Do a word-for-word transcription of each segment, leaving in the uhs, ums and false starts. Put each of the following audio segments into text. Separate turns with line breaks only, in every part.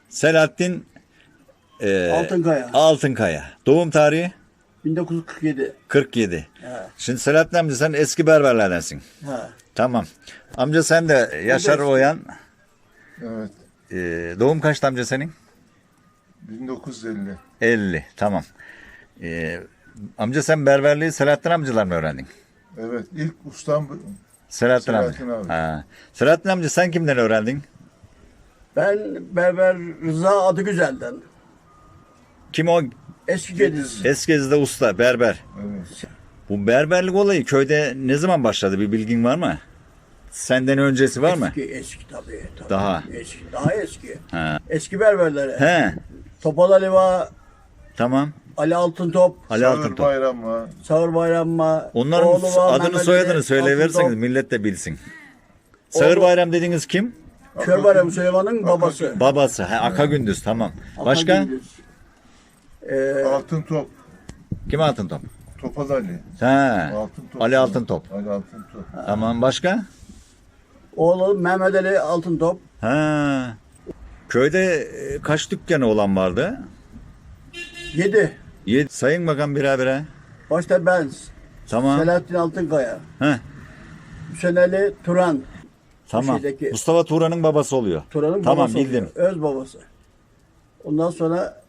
Selahattin e,
Altınkaya.
Altınkaya. Doğum tarihi
bin dokuz yüz kırk yedi.
kırk yedi.
He.
Şimdi Selahattin amca sen eski berberlerdensin.
He.
Tamam. Amca sen de Yaşar
eski.
Oyan.
Evet.
E, doğum kaçtı amca senin?
bin dokuz yüz elli.
elli. Tamam. E, amca sen berberliği Selahattin amcalar mı öğrendin?
Evet. İlk ustam bu-
Selahattin,
Selahattin
amca.
abi.
Ha. Selahattin amca sen kimden öğrendin?
Ben Berber Rıza Adıgüzel'den.
Kim o?
Eski Gediz.
Eskiz'de usta, berber.
Evet.
Bu berberlik olayı köyde ne zaman başladı, bir bilgin var mı? Senden öncesi var mı?
Eski, eski tabii, tabii.
Daha.
Eski, daha eski.
Ha.
Eski berberlere.
He,
Topal Ali var,
tamam.
Ali Altıntop,
Ali
Sağır
Altıntop.
Bayram var.
Sağır Bayram var.
Onların
oğlu var,
adını
Mehmet
soyadını
Ali
söyleyiverseniz
Altıntop.
millet de bilsin. Sağır
Oğlu-
Bayram dediğiniz kim?
Kör Bayram Süleyman'ın babası.
Babası. He, Aka Gündüz, tamam. Başka?
Akagündüz. Ee,
Altın top.
Kim Altıntop?
Topal Ali.
He.
Altın top.
Ali Altıntop.
Ali Altın top.
Tamam, başka?
oğlu Mehmet Ali Altıntop.
Ha. Köyde e, kaç dükkanı olan vardı?
Yedi.
Yedi. Sayın bakalım birer birer.
Başta ben.
Tamam.
Selahattin Altınkaya.
He.
Hüseyin Ali Turan.
Tamam.
şeydeki-
Mustafa Turan'ın babası oluyor.
Turan'ın
Tamam,
babası
bildim.
oluyor, öz babası. Ondan sonra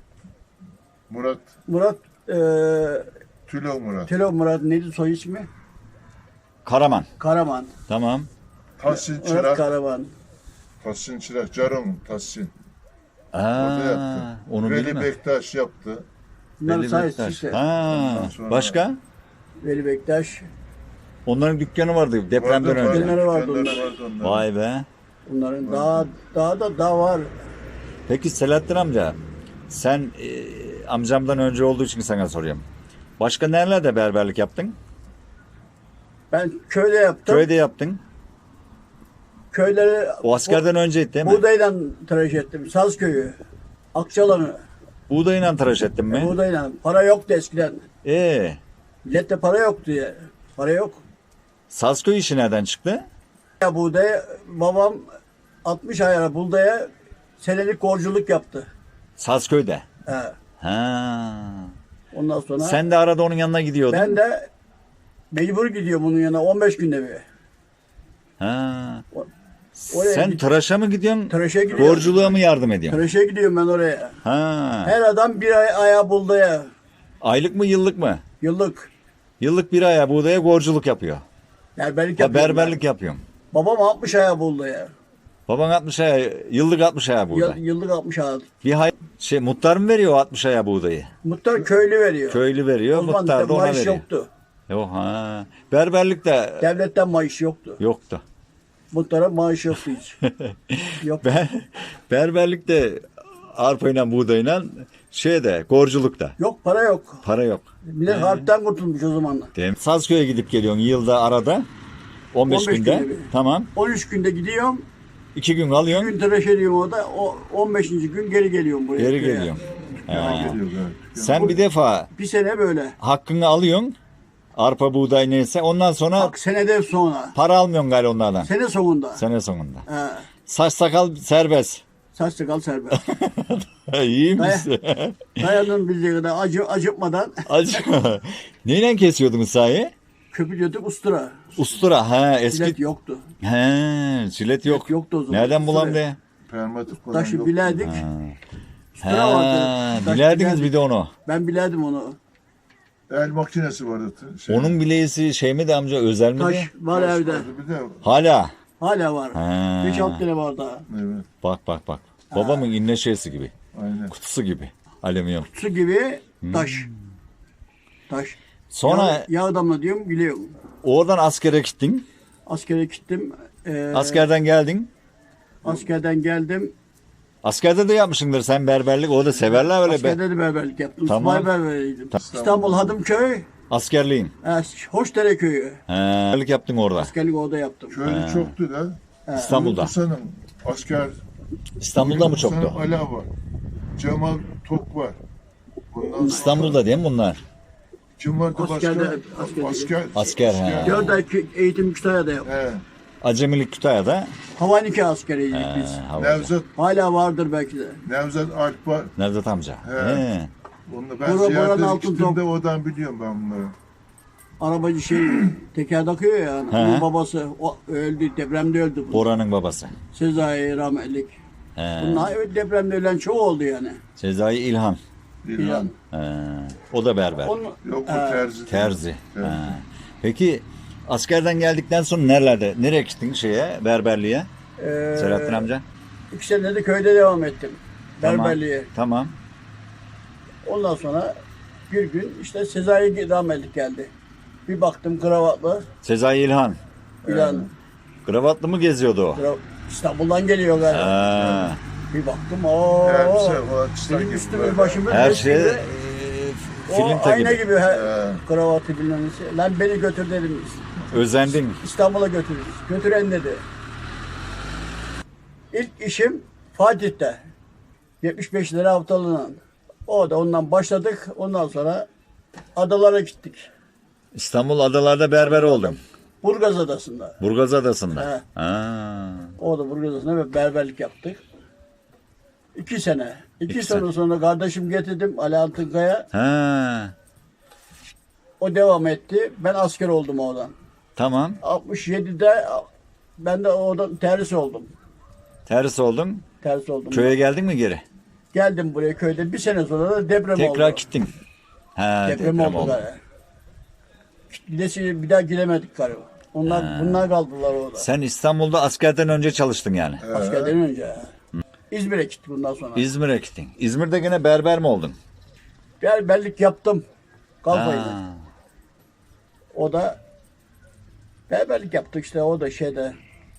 Murat.
Murat e,
Tülo Murat.
Tilo Murat neydi soy ismi?
Karaman.
Karaman.
Tamam.
Tahsin
Murat
Çırak.
Karaman.
Tahsin Çırak. Caron Tahsin. O da
Aa,
yaptı.
onu
Veli
bilmem.
Bektaş yaptı.
Bunların
Veli
sayısı
Bektaş.
işte.
Ha,
Ondan sonra-
başka?
Veli Bektaş.
Onların dükkanı vardı depremden
Vardı,
önce.
Dükkanları vardı
dükkanları
onların.
vardı onların.
Vay be.
Bunların daha daha da daha var.
Peki Selahattin amca, sen e, amcamdan önce olduğu için sana soruyorum. Başka nerelerde berberlik yaptın?
Ben köyde yaptım.
Köyde yaptın.
Köyleri
O askerden önceydi değil mi?
buğdayla tıraş ettim. Sazköy'ü. Akçalan'ı.
Buğdayla tıraş ettin mi?
Buğdayla. Para yoktu eskiden.
Ee,
Millette para yoktu ya. Para yok.
Sazköy işi nereden çıktı?
Ya buğday babam altmış ayara buğdaya senelik borculuk yaptı.
Sazköy'de.
He.
Ha.
Ondan sonra
Sen de arada onun yanına gidiyordun.
ben de mecbur gidiyorum bunun yanına on beş günde bir.
Ha.
O- oraya
Sen
git-
tıraşa mı gidiyorsun?
Tıraşa gidiyorum.
Borculuğa mı yardım ediyorsun?
Tıraşa gidiyorum ben oraya.
Ha.
Her adam bir ay ayağı buğdaya.
Aylık mı yıllık mı?
Yıllık.
Yıllık bir aya buğdaya borculuk yapıyor.
Berberlik
Ha,
yapıyorum.
berberlik
ben.
yapıyorum.
Babam altmış ayağı buğdaya.
Baban altmış aya, yıllık altmış aya buğday.
Yıl- Yıllık altmış ayağı.
Bir hay şey muhtar mı veriyor o altmış aya buğdayı?
Muhtar köylü veriyor.
Köylü veriyor,
O zaman
muhtar da ona
maaş
veriyor.
yoktu.
Yok ha. Berberlik de
Devletten maaş yoktu.
yoktu.
Muhtara maaş yoktu hiç. Yok.
Ber, berberlik de arpayla buğdayla şeyde gorculukta.
Yok para yok.
Para yok.
Millet harpten kurtulmuş o zaman.
Değil mi? Sazköy'e gidip geliyorsun yılda arada. on beş
on beş
günde.
günde bir.
Tamam.
on üç günde gidiyorum.
iki gün
Bir
alıyorsun.
gün tıraş ediyorum orada. O on beşinci gün geri geliyorum buraya.
Geri
köye.
geliyorsun.
Ha.
Ha.
Geliyor, evet.
Sen bir defa
Bir sene böyle.
hakkını alıyorsun. Arpa buğday neyse. Ondan sonra
Bak seneden sonra.
para almıyorsun galiba onlardan.
Sene sonunda.
Sene sonunda.
He.
Saç sakal serbest.
Saç sakal serbest.
İyi misin?
Dayanın bildiği kadar acı, acıtmadan
Acı. Neyle kesiyordunuz sahi?
köpürüyorduk ustura.
Ustura. Ha eski.
Bilet yoktu.
He, jilet yok.
yoktu o zaman.
Nereden bulam
Ustura.
de?
Permatik falan
Taşı
yok.
bilerdik. Ustura
Ha,
vardı. Taş
bilerdiniz
bilerdik.
bir de onu.
Ben bilerdim onu.
El makinesi vardı. Şey,
Onun bileğisi şey mi de amca, özel mi de?
Taş var
taş
evde.
vardı Bir de
Hala.
Hala var.
Ha.
beş altı tane var daha.
evet.
Bak bak bak. Babamın inne şeysi gibi.
Aynen.
Kutusu gibi. Alüminyum.
Su gibi taş. Taş.
Hmm. Sonra
Yağ, yağ damla diyorum biliyorum.
oradan askere gittin.
Askere gittim. Ee,
Askerden geldin.
askerden geldim.
Askerde de yapmışsındır sen berberlik. O da severler öyle be.
Askerde de berberlik yaptım.
Tamam.
Subay berberiydim. İstanbul Hadımköy,
Askerliğin.
e, Hoşdere köyü.
He. Berberlik yaptın orada.
Askerlik orada yaptım.
Köylü çoktu da.
İstanbul'da.
Hasan'ın asker.
İstanbul'da mı
Hasan
çoktu?
Ala var. Cemal Tok var. Bundan
İstanbul'da değil mi bunlar?
kim vardı başka?
Askerde- askerde.
Asker.
Asker, he.
Dört ay kö- eğitim Kütahya'da yaptım.
He.
Acemilik Kütahya'da.
Havaniki askeriydik
Ee,
biz.
havacı.
Nevzat,
Hala vardır belki de.
Nevzat Alp var.
Nevzat amca.
He.
He.
Onu ben
Bora-
ziyarete
Boran Altın
gittiğimde
Top.
oradan biliyorum ben bunları.
Arabacı şey teker takıyor ya.
He.
Onun babası o, öldü. Depremde öldü. Bu.
Bora'nın babası.
Sezai rahmetlik.
He.
Bunlar evet, depremde ölen çok oldu yani.
Sezai İlhan.
İlhan.
He. O da berber.
Onun,
Yok bu
Ee,
terzi.
Terzi.
Terzi.
He. Peki askerden geldikten sonra nerelerde? Nereye gittin şeye? Berberliğe?
e,
Selahattin amca.
iki sene de köyde devam ettim.
Tamam.
Berberliğe.
Tamam.
Ondan sonra bir gün işte Sezai rahmetlik geldi. Bir baktım kravatlı.
Sezai İlhan.
İlan.
Kravatlı mı geziyordu o?
Kra- İstanbul'dan geliyor galiba.
Ha.
Bir baktım o
Elbise falan çıta
benim
gibi
üstümü
böyle.
başımı
Her
resmi
şey
gibi,
e,
o
film
ayna
gibi.
gibi, he,
He.
kravatı bilmem nesi. Lan beni götür dedim.
Özendin.
İstanbul'a götür. Götüren dedi. İlk işim Fatih'te. yetmiş beş lira haftalığına. O da ondan başladık. Ondan sonra adalara gittik.
İstanbul adalarda berber oldum.
Burgaz Adası'nda.
Burgaz Adası'nda.
He.
Ha.
O da Burgaz Adası'nda ve berberlik yaptık. İki sene. İki,
İki
sene
sene.
sonra kardeşim getirdim Ali Altınkaya.
Ha.
O devam etti. Ben asker oldum oradan.
Tamam.
altmış yedide ben de oradan terhis oldum.
Ters oldun.
Terhis oldum.
Köye geldin mi geri?
Geldim buraya köyde. Bir sene sonra da deprem
Tekrar
oldu.
gittin. Ha,
Deprem, oldu. galiba. Gidesi bir daha gidemedik galiba. Onlar bunlar kaldılar orada.
Sen İstanbul'da askerden önce çalıştın yani.
Askerden önce. İzmir'e gittik bundan sonra.
İzmir'e gittin. İzmir'de gene berber mi oldun?
Berberlik yaptım. Kalfayla.
Ha.
O da berberlik yaptık işte o da şeyde.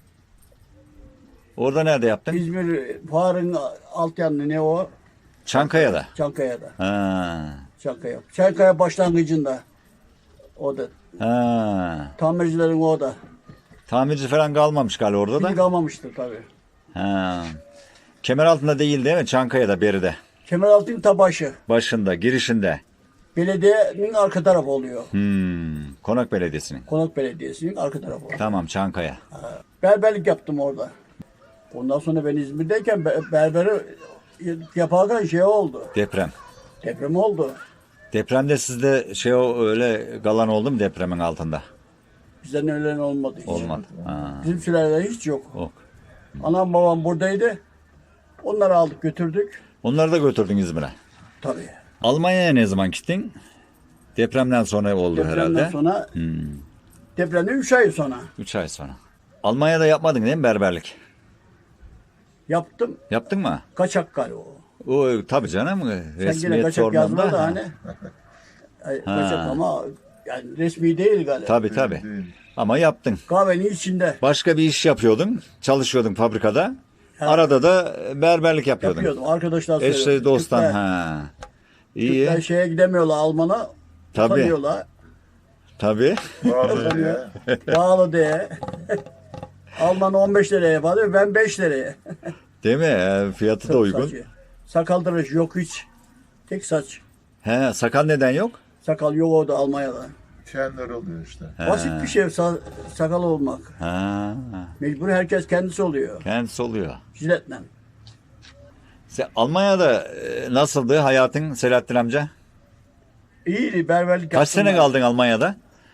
Orada nerede yaptın?
İzmir Fuar'ın alt yanı ne o?
Çankaya'da.
Çankaya'da.
Ha.
Çankaya. Çankaya başlangıcında. O da.
Ha.
Tamircilerin o da.
Tamirci falan kalmamış galiba orada
Şimdi
da.
kalmamıştır tabii.
Ha. Kemer altında değil değil mi? Çankaya'da, beride.
Kemeraltı tabaşı.
Başında, girişinde.
Belediyenin arka tarafı oluyor.
Hmm. Konak Belediyesi'nin.
Konak Belediyesi'nin arka tarafı oluyor.
Tamam, Çankaya.
Berberlik yaptım orada. Ondan sonra ben İzmir'deyken be- berberi yaparken şey oldu.
Deprem.
Deprem oldu.
Depremde sizde şey o öyle galan oldu mu depremin altında?
Bizden ölen olmadı hiç.
Olmadı. Ha.
Bizim sülalede hiç yok.
Ok.
Anam babam buradaydı. Onları aldık götürdük.
Onları da götürdün İzmir'e.
Tabii.
Almanya'ya ne zaman gittin? Depremden sonra oldu
Depremden
herhalde.
sonra
Hmm.
depremden üç ay sonra
Üç ay sonra. Almanya'da yapmadın değil mi berberlik?
yaptım.
Yaptın mı?
Kaçak galiba o.
O tabii canım.
Sen yine
Resmiyet
kaçak yazma
sorununda.
da hani. Ay, kaçak ama yani resmi değil galiba.
Tabii tabii.
Değil.
Ama yaptın.
Kahvenin içinde
Başka bir iş yapıyordun. Çalışıyordun fabrikada. Arada da berberlik yapıyordun.
yapıyordum. Arkadaşlar
Eşle
söylüyordu.
dosttan.
Türkler-
Ha.
Türkler
İyi.
şeye gidemiyorlar Alman'a.
Tabii.
Utanıyorlar.
Tabii.
Bağlı diye.
Pahalı diye. Alman on beş liraya yapıyor. Ben beş liraya.
Değil mi? Ee, Fiyatı da uygun.
Saçı. Sakal tıraşı yok hiç. Tek saç.
He, sakal neden yok?
Sakal yok orada Almanya'da.
Kendileri oluyor işte.
Basit bir şey sa- sakal olmak.
Ha.
Mecbur herkes kendisi oluyor.
Kendisi oluyor.
Jiletle.
Sen Almanya'da e, nasıldı hayatın Selahattin amca?
İyiydi berberlik
Kaç
yaptım
sene
ben.
kaldın Almanya'da?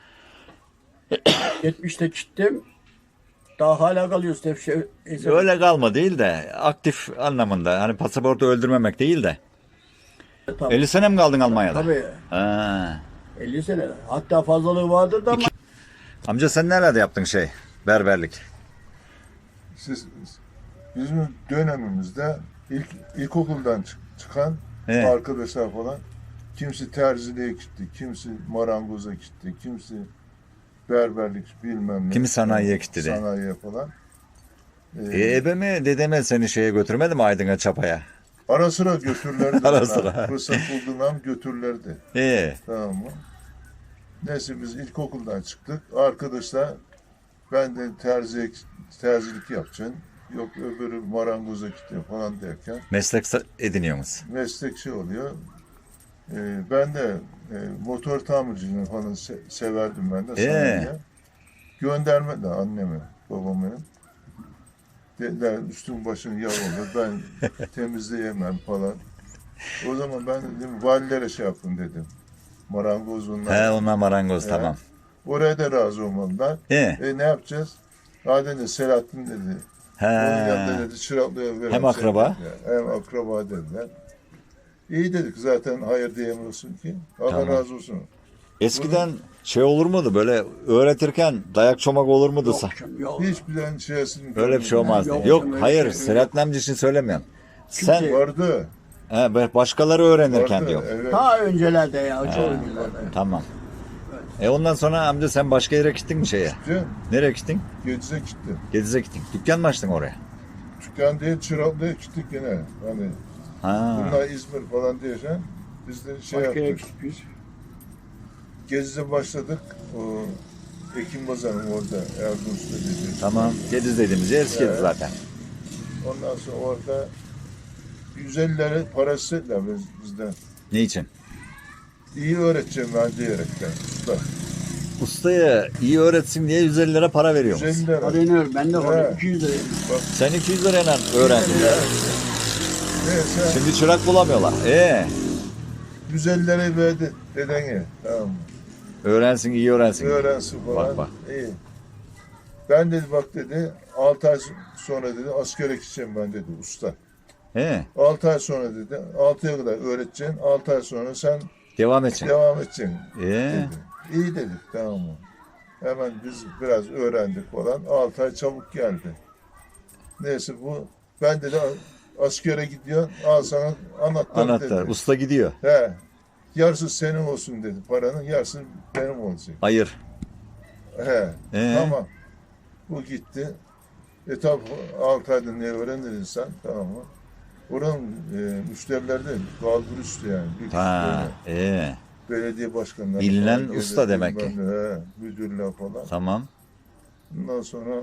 yetmişte gittim. Daha hala kalıyoruz. Hep şey,
Öyle kalma değil de aktif anlamında. Hani pasaportu öldürmemek değil de.
Tabii.
elli sene mi kaldın Almanya'da?
Tabii.
Ha.
elli sene. Hatta fazlalığı vardır da ama
Amca sen nerede yaptın şey? Berberlik.
Siz, bizim dönemimizde ilk ilkokuldan çık- çıkan
Evet.
arkadaşlar falan kimisi terziliğe gitti, kimisi marangoza gitti, kimisi berberlik bilmem ne.
Kimi sanayiye gitti de.
Sanayiye falan. Ee,
E, ebe mi dedeme seni şeye götürmedi mi Aydın'a çapaya?
Ara sıra götürürlerdi.
Ara
bana.
sıra.
Fırsat bulduğundan götürürlerdi.
E,
Tamam mı? Neyse biz ilkokuldan çıktık. Arkadaşlar ben de terzi, terzilik yapacaksın. Yok öbürü marangoza gidiyor falan derken
meslek sa- ediniyorsunuz.
meslekçi oluyor. Ee, ben de e, motor tamirciliğini falan se- severdim ben de.
Ee?
sanayiye. Gönderme de anneme. babamın. Dediler üstün başın yağ olur, ben temizleyemem falan. O zaman ben dedim valilere şey yapın dedim. Marangoz bunlar.
He onlar marangoz
He.
tamam.
Oraya da razı olmadılar.
He.
E ne yapacağız? Ha dedi Selahattin dedi.
He.
Onun yanında dedi çıraklığa verelim.
Hem akraba.
Dediler. Hem akraba dediler. İyi dedik zaten hayır diyemiyorsun ki. Allah
Tamam.
razı olsun.
Eskiden şey olur muydu böyle öğretirken dayak çomak olur muydu?
Yok,
sa-
canım, yok.
Hiç bilen şeysini
Öyle bir şey olmazdı.
Yok,
Yok,
öyle bir
hayır
şey-
Selahattin amca için söylemiyorum. Sen
Kimse-
vardı.
he, be- başkaları öğrenirken
Vardı.
diyor.
Evet.
Ta öncelerde ya, çok öncelerde.
Tamam. E ondan sonra amca sen başka yere gittin mi şeye?
Gittim.
Nereye gittin?
Gedize gittim.
Gediz'e gittin. Dükkan mı açtın oraya?
Dükkan değil çıraklığa gittik yine. Hani
Ha.
bunlar İzmir falan diyeceğim. Biz de şey
Başka yere
yaptık.
gittik biz.
Gezi'de başladık. O Ekim Bazan'ın orada Erdoğan'da dedi.
Tamam. Gediz dediğimiz yer eski
Evet.
zaten.
Ondan sonra orada yüz elli lira parası istediler biz- bizden.
Ne için?
İyi öğreteceğim ben diyerekten. Usta.
Ustaya iyi öğretsin diye yüz elli lira para veriyor
yüz elli
musun?
lira.
Öğreniyorum, ben de
Evet.
var. iki yüz lira.
Sen iki yüz lirayla öğrendin.
Neyse
Şimdi çırak bulamıyorlar. Ee,
yüz elli lirayı verdi dedene. Tamam mı?
öğrensin iyi öğrensin.
Öğrensin falan.
Bak, bak.
İyi. Ben dedi bak dedi altı ay sonra dedi askere gideceğim ben dedi usta.
He,
altı ay sonra dedi altıya kadar öğreteceksin. altı ay sonra sen
devam edeceksin.
devam edeceksin.
Ee,
Dedi. İyi dedik tamam mı? Hemen biz biraz öğrendik falan. altı ay çabuk geldi. Neyse bu ben dedi askere gidiyor. Al sana anahtar,
anahtar.
dedi.
Usta gidiyor.
He. Yarısı senin olsun dedi paranın. Yarısı benim olacak.
Hayır.
He.
Ee?
Tamam. Bu gitti. E tabi altı ayda ne öğrenir insan tamam mı? Oranın e, müşterileri de kalbur üstü yani. Büyük
Ha,
müşteriler.
ee,
Belediye başkanları
Bilinen
falan gelir,
usta demek ki.
bilmem ne, He, müdürler falan.
tamam.
Ondan sonra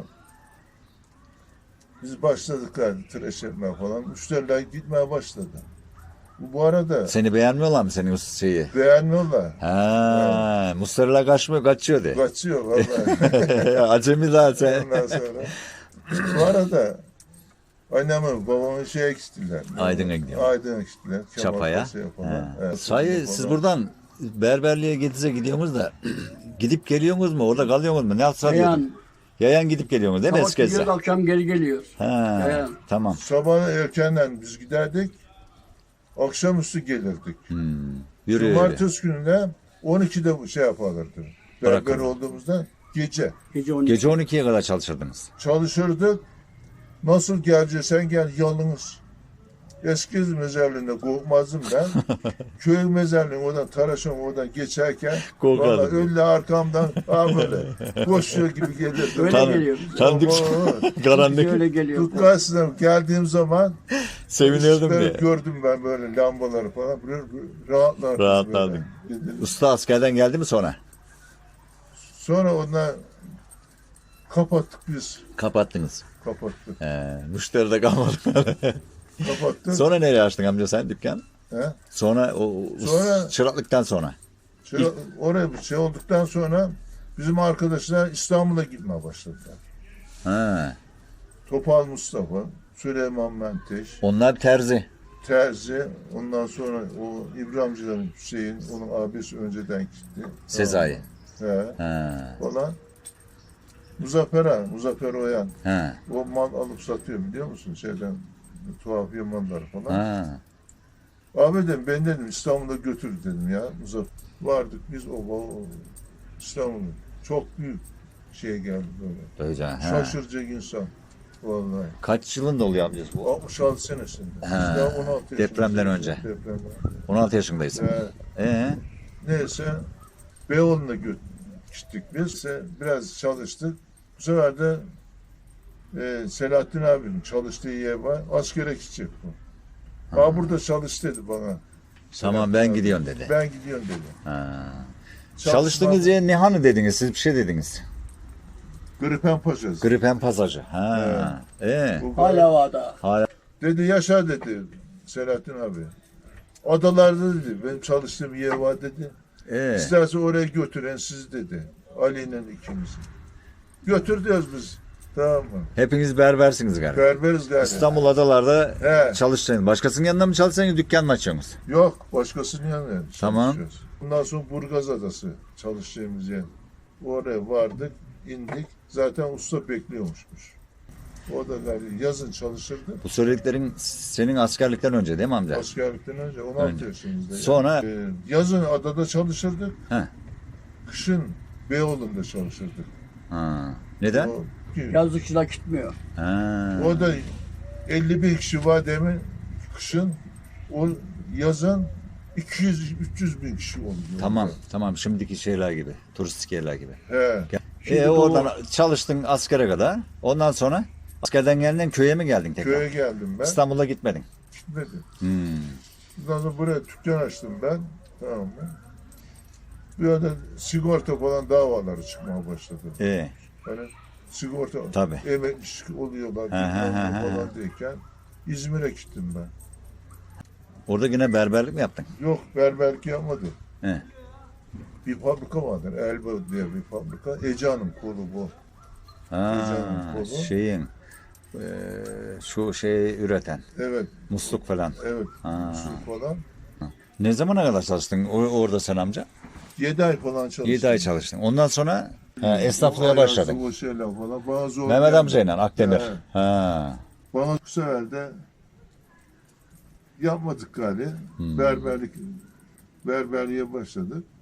biz başladık yani tıraş etmeye falan. Müşteriler gitmeye başladı. Bu, bu arada
Seni beğenmiyorlar mı senin usta şeyi?
beğenmiyorlar.
Ha, Mustafa'la kaçmıyor, kaçıyor de.
Kaçıyor vallahi.
Acemi zaten.
Ondan sonra. Bu arada annemin babamın şeye gittiler.
Aydın'a gidiyor.
Aydın'a gittiler. Kemal
Çapaya.
Paşa'ya falan.
Ha.
Evet,
Sahi
falan.
siz buradan berberliğe Gediz'e gidiyorsunuz da gidip geliyorsunuz mu? Orada kalıyorsunuz mu? Ne yapsa
Yayan,
Yayan gidip geliyorsunuz değil mi
sabah
Eskişehir'e?
gidiyoruz, akşam geri geliyoruz.
Ha,
Yayan.
tamam.
Sabah erkenden biz giderdik. Akşamüstü gelirdik.
Hmm. Yürü yürü.
Cumartesi günü de on ikide bu şey yaparlardı. Berber
Bırakın.
olduğumuzda gece
Gece on iki.
Gece on ikiye kadar çalışırdınız.
çalışırdık. Nasıl geleceksen gel yalnız. Eski mezarlığında korkmazdım ben. Köy mezarlığında oradan Taraşan oradan geçerken
Korkardın.
vallahi öyle arkamdan ha böyle koşuyor gibi gelirdi.
Öyle
Tan-
geliyoruz.
Tanıdık.
Biz
Karanlık.
öyle geliyoruz.
Tutkarsına geldiğim zaman
Sevinirdim
ışıkları
diye.
gördüm ben böyle lambaları falan. Böyle, böyle rahatlardım.
Rahatladın.
böyle.
Usta askerden geldi mi sonra?
Sonra ondan kapattık biz.
Kapattınız.
Kapattık.
He, müşteri de kalmadı.
Kapattık.
Sonra nereye açtın amca sen dükkan?
He?
Sonra o o-
Sonra-
çıraklıktan sonra.
Şey, oraya bir şey olduktan sonra bizim arkadaşlar İstanbul'a gitmeye başladılar.
Ha,
Topal Mustafa, Süleyman Menteş,
onlar terzi.
Terzi, ondan sonra o İbrahimcilerin Hüseyin, onun abisi önceden gitti.
Sezai.
He,
Ha,
falan. Muzaffer Han, Muzaffer Oyan,
ha,
o mal alıp satıyor biliyor musun şeyden, tuhaf yamanları falan.
ha.
Abi dedim ben dedim İstanbul'a götür dedim ya. Muzaffer. Vardık biz o, o İstanbul'a. Çok büyük şey geldi böyle.
Böylece, ha.
Şaşıracak insan. Vallahi.
Kaç yılında oluyor amcası bu?
altmış altı senesinde. Biz
Ha,
daha on altı
depremden
yaşındayız.
önce.
Depremden.
on altı yaşındaysın.
Ee,
Ee,
neyse Beyoğlu'na gö- gittik biz. İşte biraz çalıştık. Bu sefer de e, Selahattin abinin çalıştığı yer var. Askere gidecek bu. Ha burada çalış dedi bana.
tamam
Selahattin
ben
abi.
gidiyorum dedi.
Ben gidiyorum dedi.
Ha.
Çalışma-
Çalıştığınız yer ne hanı dediniz? Siz bir şey dediniz.
Gripen Paşası.
Gripen pasajı. Ha. Ee,
Bu-
Hala vada.
hala.
Dedi yaşa dedi Selahattin abi. Adalarda dedi benim çalıştığım yer var dedi.
Ee,
İsterse oraya götüren siz dedi. Ali ile ikimizi. Götür diyoruz biz. Tamam mı?
Hepiniz berbersiniz galiba.
Berberiz galiba.
İstanbul adalarda
He.
çalışacaksınız. Başkasının yanında mı çalışacaksınız, dükkan mı açacaksınız?
Yok, başkasının yanına
Tamam.
çalışıyoruz. Bundan sonra Burgaz Adası çalışacağımız yer. Oraya vardık, indik. Zaten usta bekliyormuşmuş. O da galiba yazın çalışırdı.
Bu söylediklerin senin askerlikten önce değil mi amca?
Askerlikten önce on altı
Önce.
yaşımızdaydı.
Sonra-
Ee, yazın adada çalışırdık.
He.
Kışın Beyoğlu'nda çalışırdık.
Ha. Neden?
O,
Yazlıkçılar gitmiyor.
Ha.
o da elli bin kişi var demin kışın. O yazın iki yüz üç yüz bin kişi oluyor.
Tamam, tamam. Şimdiki şeyler gibi. Turistik yerler gibi.
He.
Şimdi
E,
bu-
oradan çalıştın askere kadar. Ondan sonra askerden geldin köye mi geldin tekrar?
Köye geldim ben.
İstanbul'a gitmedin.
Gitmedim.
Hmm.
Ondan sonra buraya dükkan açtım ben. Tamam mı? Bir arada sigorta falan davaları çıkmaya başladı.
İyi.
Yani sigorta
Tabii.
emeklilik oluyorlar
He, he,
bilmem ne
he, he.
falan deyken İzmir'e gittim ben.
Orada yine berberlik mi yaptın?
Yok berberlik yapmadım.
He.
Bir fabrika vardır. Elbow diye bir fabrika. Ece Hanım kolu bu.
Ha,
Canım, kolu.
şeyin eee, şu şeyi üreten
Evet,
musluk falan.
evet.
Ha.
Şu falan.
Ne zamana kadar çalıştın o- orada sen amca?
Yedi ay falan çalıştım.
yedi ay çalıştın. Ondan sonra ha, esnaflığa
O
başladın.
ayazı, O şeyler falan. Bana zor
Mehmet
geldi.
amcayla Akdemir.
He.
Ha.
Bana bu sefer de yapmadık galiba.
Hmm.
Berberlik berberliğe başladık.